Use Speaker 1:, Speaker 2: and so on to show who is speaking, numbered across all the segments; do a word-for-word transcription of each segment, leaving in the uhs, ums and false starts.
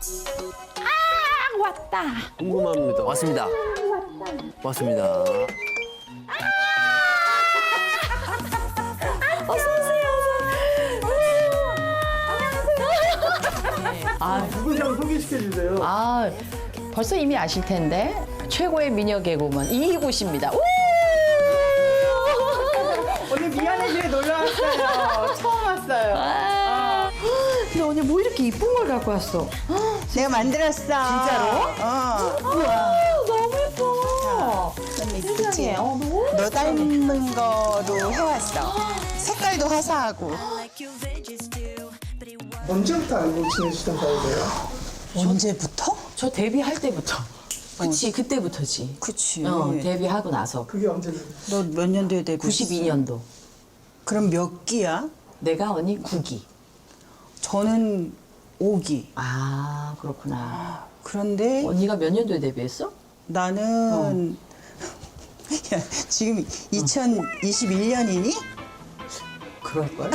Speaker 1: 아, 왔다.
Speaker 2: 궁금합니다.
Speaker 3: 왔습니다. 왔습니다.
Speaker 1: 아,
Speaker 2: 누군지 한번 소개시켜 주세요.
Speaker 1: 아, 벌써 이미 아실 텐데 최고의 미녀 개그우먼 이희구 씨입니다. 우!
Speaker 4: 오늘 미안해지에 놀러 왔어요. 처음 왔어요.
Speaker 1: 아, 근데 언니 뭐 이렇게 이쁜 걸 갖고 왔어?
Speaker 4: 내가 만들었어. 진짜로? 어.
Speaker 1: 아, 너무 예뻐.
Speaker 4: 너무 이쁘지?
Speaker 1: 세상에, 어, 너무
Speaker 4: 너 닮은 거로 해왔어. 색깔도 화사하고.
Speaker 5: 언제부터 알고 지내시던 사이세요?
Speaker 4: 언제부터?
Speaker 1: 저 데뷔할 때부터. 그치, 그때부터지.
Speaker 4: 그치.
Speaker 1: 어, 데뷔하고 나서.
Speaker 5: 그게 언제세요?
Speaker 4: 너 몇 년도에 데뷔했어?
Speaker 1: 구십이 년도.
Speaker 4: 그럼 몇 기야?
Speaker 1: 내가 언니 구 기.
Speaker 4: 저는 오 기.
Speaker 1: 아, 그렇구나.
Speaker 4: 그런데
Speaker 1: 언니가 몇 년도에 데뷔했어?
Speaker 4: 나는 야, 지금 이천이십일 년이니?
Speaker 1: 그럴걸?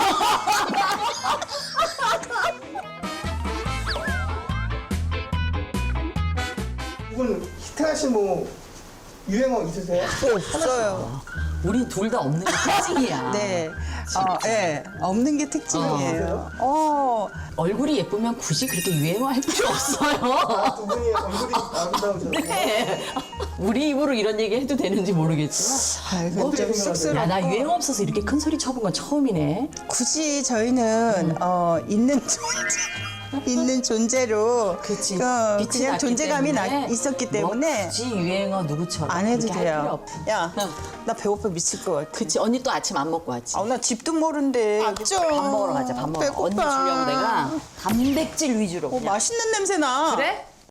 Speaker 5: 이분 히트하신 뭐 유행어 있으세요?
Speaker 4: 없어요.
Speaker 1: 우리 둘 다 없는 게 특징이야.
Speaker 4: 네. 어, 예. 없는 게 특징이에요. 어.
Speaker 1: 얼굴이 예쁘면 굳이 그렇게 유행어 할 필요 없어요.
Speaker 5: 두 분이 얼굴이 아름다우셔서
Speaker 1: 네. 우리 입으로 이런 얘기 해도 되는지 모르겠지만.
Speaker 4: 아이, 그건 좀 쑥스러워.
Speaker 1: 야, 나 유행어 없어서 이렇게 큰 소리 쳐본 건 처음이네.
Speaker 4: 굳이 저희는 어, 있는 존재, 있는 존재로
Speaker 1: 그치.
Speaker 4: 어,
Speaker 1: 빛이
Speaker 4: 그냥
Speaker 1: 났기
Speaker 4: 존재감이 나,
Speaker 1: 때문에
Speaker 4: 있었기
Speaker 1: 뭐
Speaker 4: 때문에
Speaker 1: 굳이 유행어 누구처럼
Speaker 4: 안 해도
Speaker 1: 그렇게 할 필요
Speaker 4: 돼요.
Speaker 1: 없어.
Speaker 4: 야,
Speaker 1: 응.
Speaker 4: 나 배고파 미칠 것 같아.
Speaker 1: 그치. 언니 또 아침 안 먹고 왔지.
Speaker 4: 아, 나 집도 모른대.
Speaker 1: 밥 먹으러 가자. 밥 먹으러.
Speaker 4: 배고파.
Speaker 1: 언니 주려고 내가 단백질 위주로.
Speaker 4: 어,
Speaker 1: 그냥.
Speaker 4: 맛있는 냄새 나.
Speaker 1: 그래?